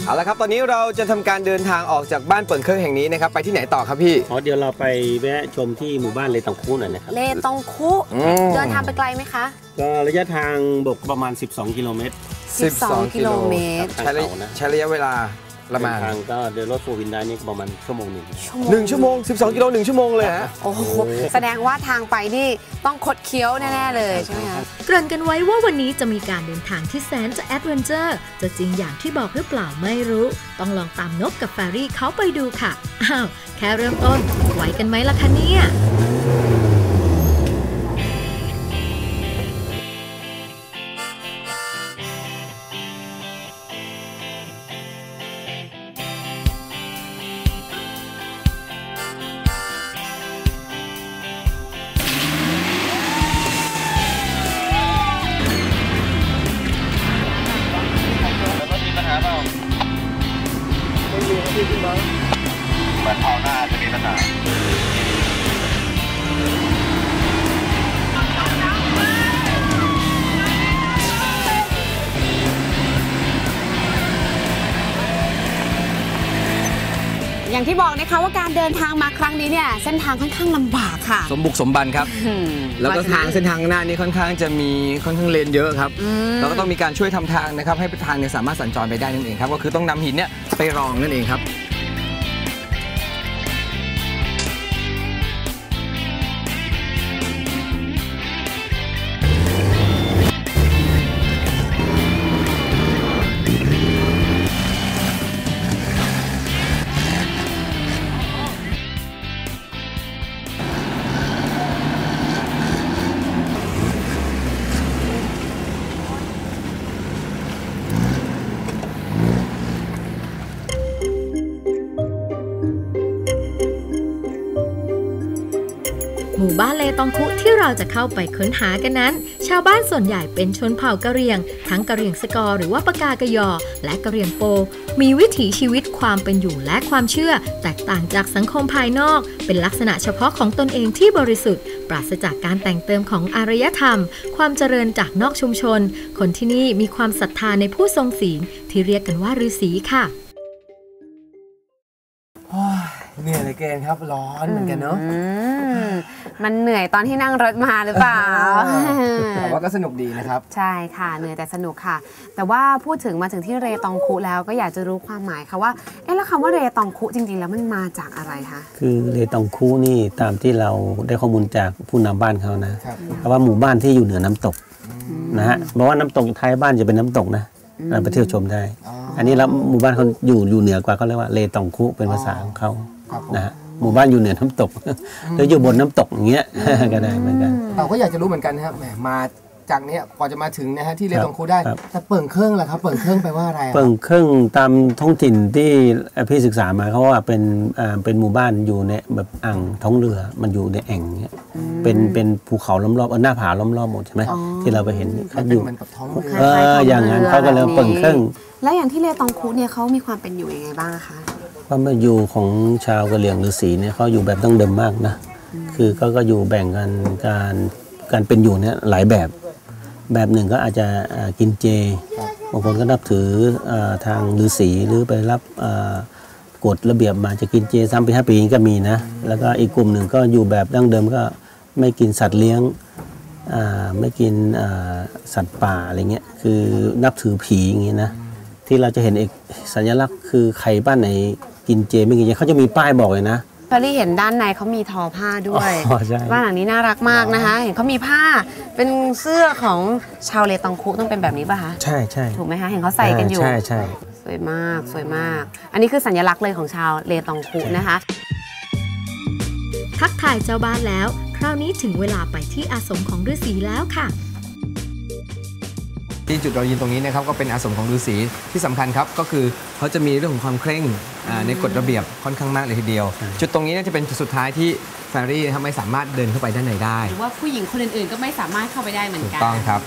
เอาละครับตอนนี้เราจะทำการเดินทางออกจากบ้านเปิ่นเครื่องแห่งนี้นะครับไปที่ไหนต่อครับพี่เดี๋ยวเราไปแวะชมที่หมู่บ้านเลตองคุหน่อยนะครับเลตองคุเดินทางไปไกลไหมคะก็ระยะทางบกประมาณ12 กิโลเมตร 12 กิโลเมตรใช้ระยะเวลาประมาณทางก็เดินรถโฟร์วินได้นี่ประมาณ1 ชั่วโมง 1 ชั่วโมง12 กิโล1 ชั่วโมงเลยฮะโอ้โหแสดงว่าทางไปนี่ต้องคดเคี้ยวแน่ๆเลยใช่ไหมคะเกริ่นกันไว้ว่าวันนี้จะมีการเดินทางที่แสนจะแอดเวนเจอร์จะจริงอย่างที่บอกหรือเปล่าไม่รู้ต้องลองตามนกกับแฟรี่เขาไปดูค่ะอ้าวแค่เริ่มต้นไหวกันไหมล่ะคะเนี่ยเหมือนเอาหน้าจะมีปัญหาอย่างที่บอกนะคะว่าการเดินทางมาครั้งนี้เนี่ยเส้นทางค่อนข้างลำบากค่ะสมบุกสมบันครับแล้วก็ทางเส้นทางหน้านี้ค่อนข้างจะมีเลนเยอะครับเราก็ต้องมีการช่วยทำทางนะครับให้ทางเนี่ยสามารถสัญจรไปได้นั่นเองครับก็คือต้องนำหินเนี่ยไปรองนั่นเองครับหมู่บ้านเลตองคุที่เราจะเข้าไปค้นหากันนั้นชาวบ้านส่วนใหญ่เป็นชนเผ่ากะเหรี่ยงทั้งกะเหรี่ยงสกอร์หรือว่าปากากะยอและกะเหรี่ยงโปมีวิถีชีวิตความเป็นอยู่และความเชื่อแตกต่างจากสังคมภายนอกเป็นลักษณะเฉพาะของตนเองที่บริสุทธิ์ปราศจากการแต่งเติมของอารยธรรมความเจริญจากนอกชุมชนคนที่นี่มีความศรัทธาในผู้ทรงศีลที่เรียกกันว่าฤาษีค่ะเหนื่อยเลยเกินครับร้อนเหมือนกันเนาะมันเหนื่อยตอนที่นั่งรถมาหรือเปล่าแต่ว่าก็สนุกดีนะครับใช่ค่ะเหนื่อยแต่สนุกค่ะแต่ว่าพูดถึงมาถึงที่เรตองคุแล้วก็อยากจะรู้ความหมายค่ะว่าแล้วคำว่าเรตองคุจริงๆแล้วมันมาจากอะไรคะคือเรตองคุนี่ตามที่เราได้ข้อมูลจากผู้นำบ้านเขานะเพราะว่าหมู่บ้านที่อยู่เหนือน้ำตกนะฮะเพราะว่าน้ำตกท้ายบ้านจะเป็นน้ำตกนะเราไปเที่ยวชมได้อันนี้แล้วหมู่บ้านเขาอยู่เหนือกว่าเขาเรียกว่าเรตองคุเป็นภาษาของเขานะฮะหมู่บ้านอยู่เหนือน้ำตกหรืออยู่บนน้ำตกอย่างเงี้ยก็ได้เหมือนกันเราก็อยากจะรู้เหมือนกันนะครับมาจากนี้กว่าจะมาถึงนะฮะที่เรตองคุได้แต่เปิ่งเครื่องล่ะครับเปิ่งเครื่องแปลว่าอะไรเปิ่งเครื่องตามท้องถิ่นที่พี่ศึกษามาเขาว่าเป็นหมู่บ้านอยู่ในแบบอ่างท้องเรือมันอยู่ในแอ่งเงี้ยเป็นภูเขาล้อมรอบหน้าผาล้อมรอบหมดใช่ไหมที่เราไปเห็นเขาอยู่เหมือนกับท้องเรืออย่างนั้นเขาก็เลยเปิ่งเครื่องแล้วอย่างที่เรตองคุเนี่ยเขามีความเป็นอยู่ยังไงบ้างคะความเป็นอยู่ของชาวกะเหรี่ยงฤาษีเนี่ยเขาอยู่แบบดั้งเดิมมากนะคือเขาก็อยู่แบ่งกันการเป็นอยู่เนี่ยหลายแบบหนึ่งก็อาจจะกินเจบางคนก็นับถือทางฤาษีหรือไปรับกฎระเบียบมาจะกินเจ3 ปี 5 ปีก็มีนะแล้วก็อีกกลุ่มหนึ่งก็อยู่แบบดั้งเดิมก็ไม่กินสัตว์เลี้ยงไม่กินสัตว์ป่าอะไรเงี้ยคือนับถือผีอย่างงี้นะที่เราจะเห็นอีกสัญลักษณ์คือใครบ้านไหนกินเจไม่กินเจเขาจะมีป้ายบอกเลยนะพอลี่เห็นด้านในเขามีทอผ้าด้วยบ้านหลังนี้น่ารักมากนะคะเห็นเขามีผ้าเป็นเสื้อของชาวเรตองคุต้องเป็นแบบนี้ป่ะคะใช่ใช่ถูกไหมคะเห็นเขาใส่กันอยู่ใช่ใช่สวยมากสวยมากอันนี้คือสัญลักษณ์เลยของชาวเรตองคุนะคะทักทายเจ้าบ้านแล้วคราวนี้ถึงเวลาไปที่อาสมของฤาษีแล้วค่ะที่จุดเรายืนตรงนี้นะครับก็เป็นอาสมของฤาษีที่สำคัญครับก็คือเขาจะมีเรื่องของความเคร่งในกฎระเบียบค่อนข้างมากเลยทีเดียวจุดตรงนี้น่าจะเป็นจุดสุดท้ายที่แฟรี่ไม่สามารถเดินเข้าไปด้านในได้หรือว่าผู้หญิงคนอื่นๆก็ไม่สามารถเข้าไปได้เหมือนกันถูกต้องครับ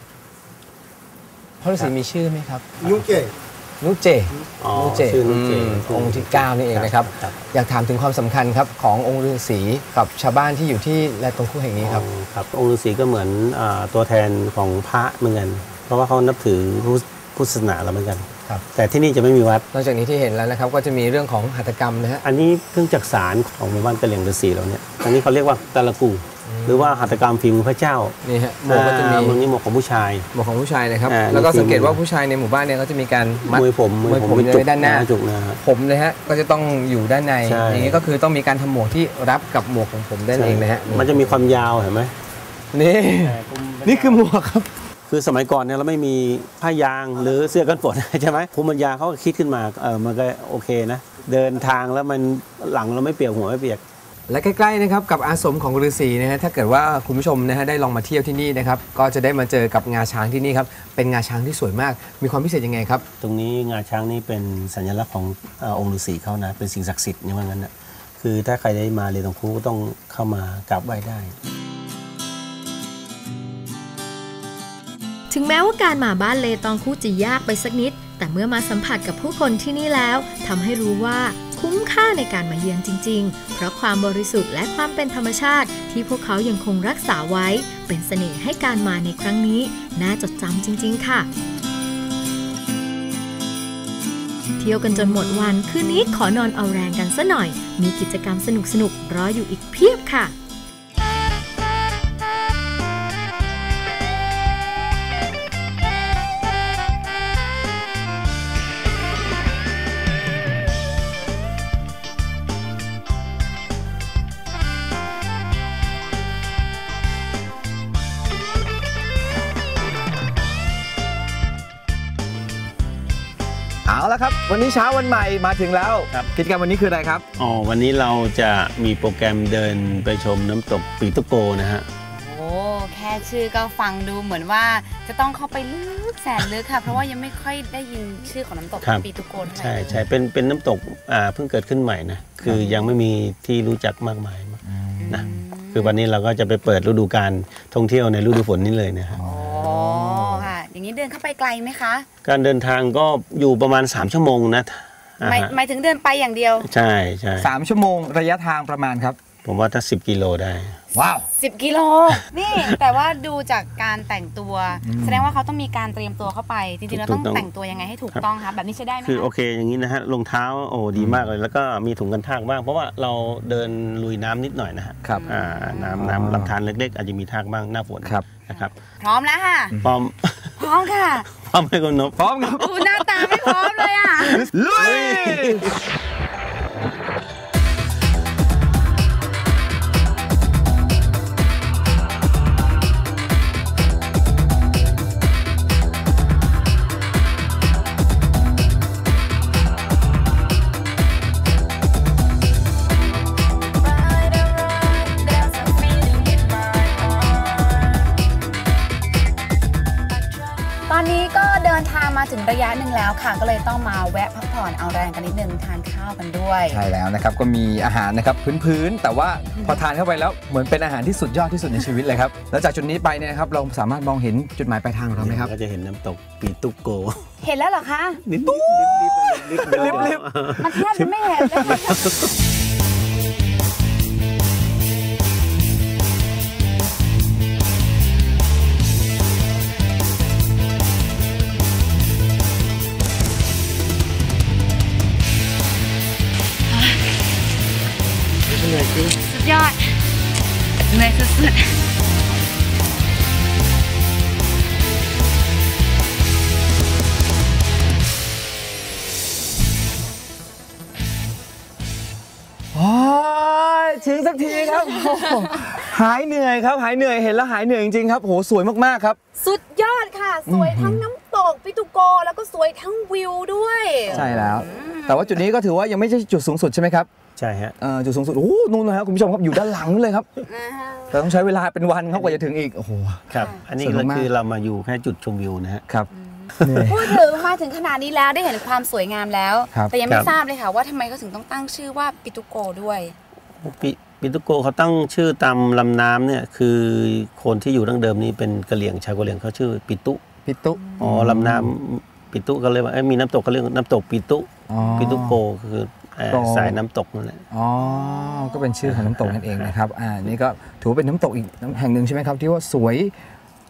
พ่อฤาษีมีชื่อไหมครับนุเจนุเจองค์ที่9นี่เองนะครับอยากถามถึงความสำคัญครับขององค์ฤาษีกับชาวบ้านที่อยู่ที่เรตองคุแห่งนี้ครับองค์ฤาษีก็เหมือนตัวแทนของพระเหมือนกันเพราะว่าเขานับถือพุทธศาสนาเราเหมือนกันครับแต่ที่นี่จะไม่มีวัดนอกจากนี้ที่เห็นแล้วนะครับก็จะมีเรื่องของหัตถกรรมนะฮะอันนี้เครื่องจักสานของหมู่บ้านกะเหรี่ยงฤาษีเราเนี่ยอันนี้เขาเรียกว่าตะละกูหรือว่าหัตถกรรมฝีมือพระเจ้านี่ฮะหมวกก็จะมีหมวกนี้หมวกของผู้ชายหมวกของผู้ชายนะครับแล้วก็สังเกตว่าผู้ชายในหมู่บ้านเนี่ยก็จะมีการมัดมวยผมเลยด้านหน้าจุกนะผมเลยฮะก็จะต้องอยู่ด้านในอย่างนี้ก็คือต้องมีการทำหมวกที่รับกับหมวกของผมด้านเองนะฮะมันจะมีความยาวเห็นไหมนี่คือหมวกครับคือสมัยก่อนเนี่ยเราไม่มีผ้ายางหรือเสื้อกันฝนใช่ไหมภูมิปัญญาเขาก็คิดขึ้นมามันก็โอเคนะเดินทางแล้วมันหลังเราไม่เปียกหัวไม่เปียกและใกล้ๆนะครับกับอาสมของฤาษีนะฮะถ้าเกิดว่าคุณผู้ชมนะฮะได้ลองมาเที่ยวที่นี่นะครับก็จะได้มาเจอกับงาช้างที่นี่ครับเป็นงาช้างที่สวยมากมีความพิเศษยังไงครับตรงนี้งาช้างนี่เป็นสัญลักษณ์ขององค์ฤาษีเขานะเป็นสิ่งศักดิ์สิทธิ์อย่างนั้นนะคือถ้าใครได้มาเรียนตรงครูต้องเข้ามากราบไหว้ได้ถึงแม้ว่าการมาบ้านเลตองคูจะยากไปสักนิดแต่เมื่อมาสัมผัสกับผู้คนที่นี่แล้วทำให้รู้ว่าคุ้มค่าในการมาเยือนจริงๆเพราะความบริสุทธิ์และความเป็นธรรมชาติที่พวกเขายังคงรักษาไว้เป็นเสน่ห์ให้การมาในครั้งนี้น่าจดจำจริงๆค่ะเที่ยวกันจนหมดวันคืนนี้ขอนอนเอาแรงกันซะหน่อยมีกิจกรรมสนุกๆรออยู่อีกเพียบค่ะเอาละครับวันนี้เช้าวันใหม่มาถึงแล้วกิจกรรมวันนี้คืออะไรครับวันนี้เราจะมีโปรแกรมเดินไปชมน้ำตกปีตุโกนะฮะโอ้แค่ชื่อก็ฟังดูเหมือนว่าจะต้องเข้าไปลึกแสนลึกค่ะเพราะว่ายังไม่ค่อยได้ยินชื่อของน้ำตกปีตุโกเท่าไหร่ใช่เป็นน้ำตกเพิ่งเกิดขึ้นใหม่นะคือยังไม่มีที่รู้จักมากมายนะคือวันนี้เราก็จะไปเปิดฤดูกาลท่องเที่ยวในฤดูฝนนี้เลยนะครับอย่างนี้เดินเข้าไปไกลไหมคะการเดินทางก็อยู่ประมาณ3ชั่วโมงนะหมายถึงเดินไปอย่างเดียวใช่ 3ชั่วโมงระยะทางประมาณครับผมว่าถ้า10 กิโลได้ว้าว 10 กิโลนี่แต่ว่าดูจากการแต่งตัวแสดงว่าเขาต้องมีการเตรียมตัวเข้าไปจริงๆเราต้องแต่งตัวยังไงให้ถูกต้องคะแบบนี้ใช้ได้ไหมคือโอเคอย่างนี้นะฮะรองเท้าดีมากเลยแล้วก็มีถุงกันทากบ้างเพราะว่าเราเดินลุยน้ำนิดหน่อยนะฮะครับน้ำลำธารเล็กๆอาจจะมีทากบ้างหน้าฝนนะครับพร้อมแล้วค่ะพร้อมค่ะพร้อมให้คุณนพพร้อมครับหน้าตาไม่พร้อมเลยอ่ะลุยตอนนี้ก็เดินทางมาถึงระยะหนึ่งแล้วค่ะก็เลยต้องมาแวะพักผ่อนเอาแรงกันนิดนึงทานข้าวกันด้วยใช่แล้วนะครับก็มีอาหารนะครับพื้นๆแต่ว่าพอทานเข้าไปแล้วเหมือนเป็นอาหารที่สุดยอดที่สุดในชีวิตเลยครับแล้วจากจุดนี้ไปเนี่ยครับเราสามารถมองเห็นจุดหมายปลายทางของเราไหมครับก็จะเห็นน้ำตกปีตุโกเห็นแล้วเหรอคะลิบมันแทบจะไม่เห็นเลยสุดยอดเหนื่อยสุดถึงสักทีครับหายเหนื่อยครับหายเหนื่อยเห็นแล้วหายเหนื่อยจริงๆครับโหสวยมากๆครับสุดยอดค่ะสวยทั้งน้ำตกปิตุโกแล้วก็สวยทั้งวิวด้วยใช่แล้วแต่ว่าจุดนี้ก็ถือว่ายังไม่ใช่จุดสูงสุดใช่ไหมครับใช่ฮะจุดสูงสุดโอ้นู่นนะครับคุณผู้ชมครับอยู่ด้านหลังนู่นเลยครับแต่ต้องใช้เวลาเป็นวันครับกว่าจะถึงอีกโอ้โหครับอันนี้ก็คือเรามาอยู่แค่จุดชมวิวนะฮะครับพูดถึงมาถึงขนาดนี้แล้วได้เห็นความสวยงามแล้วแต่ยังไม่ทราบเลยค่ะว่าทำไมเขาถึงต้องตั้งชื่อว่าปิตุโกด้วยปิตุโกเขาตั้งชื่อตามลำน้ำเนี่ยคือคนที่อยู่ดั้งเดิมนี้เป็นกะเหรี่ยงชาวกะเหรี่ยงเขาชื่อปิตุลำน้ำปิตุก็เลยว่ามีน้ำตกเขาเรียกน้ำตกปิตุโกคือสายน้ำตกนั่นแหละก็เป็นชื่อของน้ำตกนั่นเองนะครับนี่ก็ถือว่าเป็นน้ำตกอีกแห่งหนึ่งใช่ไหมครับที่ว่าสวย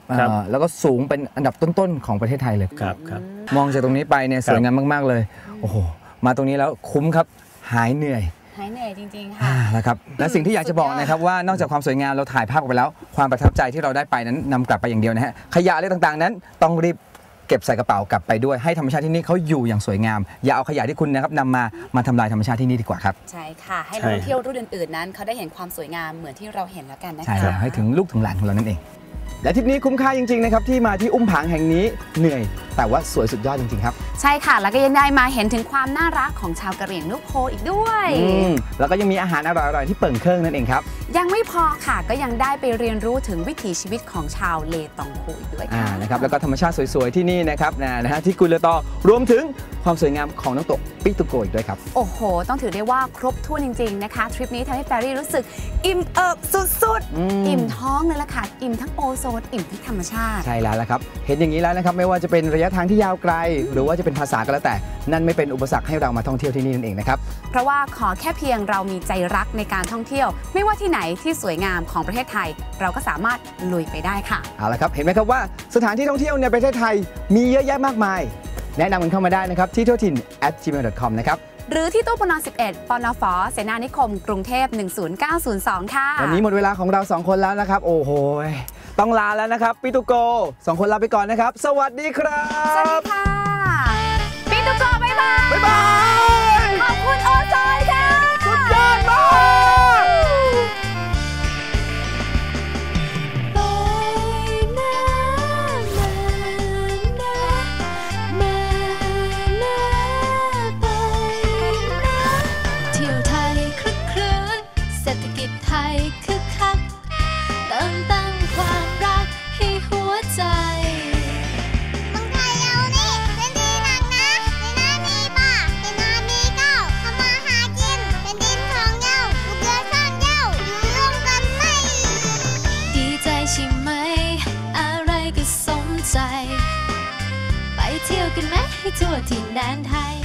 ครับแล้วก็สูงเป็นอันดับต้นๆของประเทศไทยเลยครับครับมองจากตรงนี้ไปเนี่ยสวยงามมากๆเลยโอ้โหมาตรงนี้แล้วคุ้มครับหายเหนื่อยหายเหนื่อยจริงๆค่ะนะครับและสิ่งที่อยากจะบอกนะครับว่านอกจากความสวยงามเราถ่ายภาพออกไปแล้ว ความประทับใจที่เราได้ไปนั้นนำกลับไปอย่างเดียวนะฮะขยะอะไรต่างๆนั้นต้องรีบเก็บใส่กระเป๋ากลับไปด้วยให้ธรรมชาติที่นี่เขาอยู่อย่างสวยงามอย่าเอาขยะที่คุณนะครับนำมาทำลายธรรมชาติที่นี่ดีกว่าครับใช่ค่ะ ให้นักท่องเที่ยวรุ่นอื่นๆนั้นเขาได้เห็นความสวยงามเหมือนที่เราเห็นแล้วกันนะคะใช่ครับให้ถึงลูกถึงหลานของเรานั่นเองและทริปนี้คุ้มค่าจริงๆนะครับที่มาที่อุ้มผางแห่งนี้เหนื่อยแต่ว่าสวยสุดยอดจริงๆครับใช่ค่ะแล้วก็ยังได้มาเห็นถึงความน่ารักของชาวกะเหรี่ยงนุโพอีกด้วยแล้วก็ยังมีอาหารอร่อยๆที่เปิ่งเครื่องนั่นเองครับยังไม่พอค่ะก็ยังได้ไปเรียนรู้ถึงวิถีชีวิตของชาวเลตองคูอีกด้วยค่ะนะครับแล้วก็ธรรมชาติสวยๆที่นี่นะครับนะฮะที่กุลเลตอรวมถึงความสวยงามของน้ำตกปิตุโกอีกด้วยครับโอ้โหต้องถือได้ว่าครบถ้วนจริงๆนะคะทริปนี้ทำให้แฟรี่รู้สึกอิ่มเอิบสุดๆอิ่มท้องเลยล่ะค่ะอิ่มทั้งโอโซนอิ่มทั้งธรรมชาติใช่แล้วละครับเห็นอย่างนี้แล้วนะครับไม่ว่าจะเป็นระยะทางที่ยาวไกล หรือว่าจะเป็นภาษาก็แล้วแต่นั่นไม่เป็นอุปสรรคให้เรามาท่องเที่ยวที่นี่นั่นเองนะครับเพราะว่าขอแค่เพียงเรามีใจรักในการท่องเที่ยว ไม่ว่าที่ไหนที่สวยงามของประเทศไทย เราก็สามารถลุยไปได้ค่ะเอาละครับเห็นไหมครับว่าสถานที่ท่องเที่ยวในประเทศไทยมีเยอะแยะมากมาย แนะนำกันเข้ามาได้นะครับที่ทั่วถิ่น @gmail.com นะครับหรือที่ตู้ปน11ปนฟเสนานิคมกรุงเทพ10902ค่ะวันนี้หมดเวลาของเรา2คนแล้วนะครับโอ้โหต้องลาแล้วนะครับปิตุโก2คนลาไปก่อนนะครับสวัสดีครับสวัสดีค่ะปิตุโกบ๊ายบายบ๊ายบายขอบคุณโอโซนค่ะสุดยอดมากเที่ยวไทยคลึกครื้นเศรษฐกิจไทยคึกคักเติมตั้งความรักให้หัวใจเมืองไทยเรานี่เป็นดีหนักนะในนามีป่าในนามีเก้าทำมาหากินเป็นดินของเย้าลูกเรือซ่อนเย้าอยู่ร่วมกันไหมดีใจใช่ไหมอะไรก็สมใจไปเที่ยวกันไหมให้ทั่วถิ่นแดนไทย